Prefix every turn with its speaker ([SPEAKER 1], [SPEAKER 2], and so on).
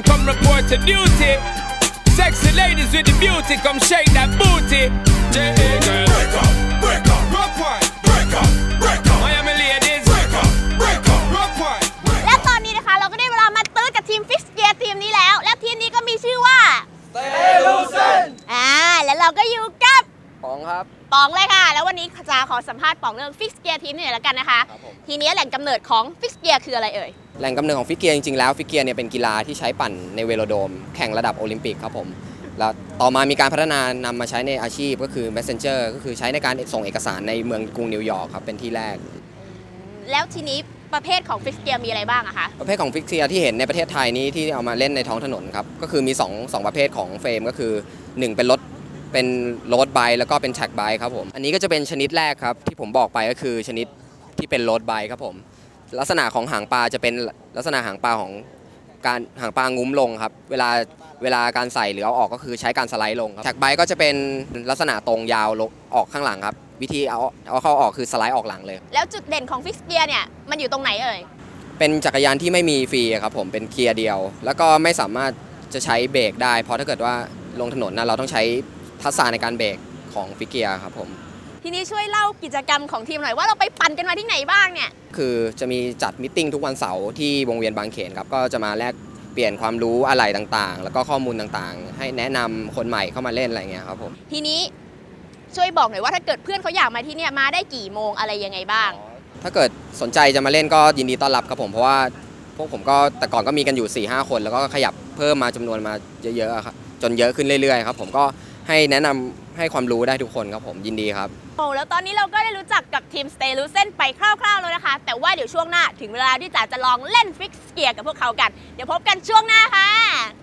[SPEAKER 1] come report to duty. Sexy ladies with the beauty, come shake that booty. J.A. girl. Break up, break up, rock wine. Break up, break up. Miami ladies. Break up, break up, rock wine.
[SPEAKER 2] และตอนนี้นะคะเราก็ได้เวลามาตื้อกับทีมฟิกเกียร์ทีมนี้แล้วและทีมนี้ก็มีชื่อว่า
[SPEAKER 3] Stay Lucent
[SPEAKER 2] แล้วเราก็อยู่กับ
[SPEAKER 3] ป๋องครับ
[SPEAKER 2] ป๋องเลยค่ะแล้ววันนี้จะขอสัมภาษณ์ป๋องเรื่องฟิกเกียร์ทีมนี้หน่อยละกันนะคะทีนี้แหล่งกำเนิดของฟิกเกียร์คืออะไรเอ่ย
[SPEAKER 3] แหล่งกำเนิดของฟิกเกียร์จริงๆแล้วฟิกเกียร์เนี่ยเป็นกีฬาที่ใช้ปั่นในเวโลโดมแข่งระดับโอลิมปิกครับผมแล้วต่อมามีการพัฒนานำมาใช้ในอาชีพก็คือ Messenger ก็คือใช้ในการส่งเอกสารในเมืองกรุงนิวยอร์กครับเป็นที่แรก
[SPEAKER 2] แล้วทีนี้ประเภทของฟิกเกียร์มีอะไรบ้างอะคะ
[SPEAKER 3] ประเภทของฟิกเกียร์ที่เห็นในประเทศไทยนี้ที่เอามาเล่นในท้องถนนครับก็คือมี2ประเภทของเฟรมก็คือ1เป็นรถไบค์แล้วก็เป็นแท็กไบค์ครับผมอันนี้ก็จะเป็นชนิดแรกครับที่ผมบอกไปก็คือชนิดที่เป็นรถไบค์ครับผมลักษณะของหางปลาจะเป็นลักษณะหางปลาของการหางปลางุ้มลงครับเวลาการใส่หรือเอาออกก็คือใช้การสไลด์ลงครับแท็กไบค์ก็จะเป็นลักษณะตรงยาวออกข้างหลังครับวิธีเอาเข้าออกคือสไลด์ออกหลังเลย
[SPEAKER 2] แล้วจุดเด่นของฟิกเกียร์เนี่ยมันอยู่ตรงไหนเอ่ย
[SPEAKER 3] เป็นจักรยานที่ไม่มีฟรีครับผมเป็นเกียร์เดียวแล้วก็ไม่สามารถจะใช้เบรกได้เพราะถ้าเกิดว่าลงถนนนะเราต้องใช้ทักษะในการเบรกของฟิกเกียร์ครับผม
[SPEAKER 2] ทีนี้ช่วยเล่ากิจกรรมของทีมหน่อยว่าเราไปปั่นกันมาที่ไหนบ้างเนี่ย
[SPEAKER 3] คือจะมีจัดมิทติ้งทุกวันเสาร์ที่วงเวียนบางเขนครับก็จะมาแลกเปลี่ยนความรู้อะไรต่างๆแล้วก็ข้อมูลต่างๆให้แนะนำคนใหม่เข้ามาเล่นอะไรเงี้ยครับผม
[SPEAKER 2] ทีนี้ช่วยบอกหน่อยว่าถ้าเกิดเพื่อนเขาอยากมาที่เนี่ยมาได้กี่โมงอะไรยังไงบ้าง
[SPEAKER 3] ถ้าเกิดสนใจจะมาเล่นก็ยินดีต้อนรับครับผมเพราะว่าพวกผมก็แต่ก่อนก็มีกันอยู่ 4-5 คนแล้วก็ขยับเพิ่มมาจำนวนมาเยอะๆครับจนเยอะขึ้นเรื่อยๆครับผมก็ให้แนะนำให้ความรู้ได้ทุกคนครับผมยินดีครับ
[SPEAKER 2] แล้วตอนนี้เราก็ได้รู้จักกับทีม Stay Lucent ไปคร่าวๆแล้วนะคะแต่ว่าเดี๋ยวช่วงหน้าถึงเวลาที่จะลองเล่นฟิกเกียร์กับพวกเขากันเดี๋ยวพบกันช่วงหน้าค่ะ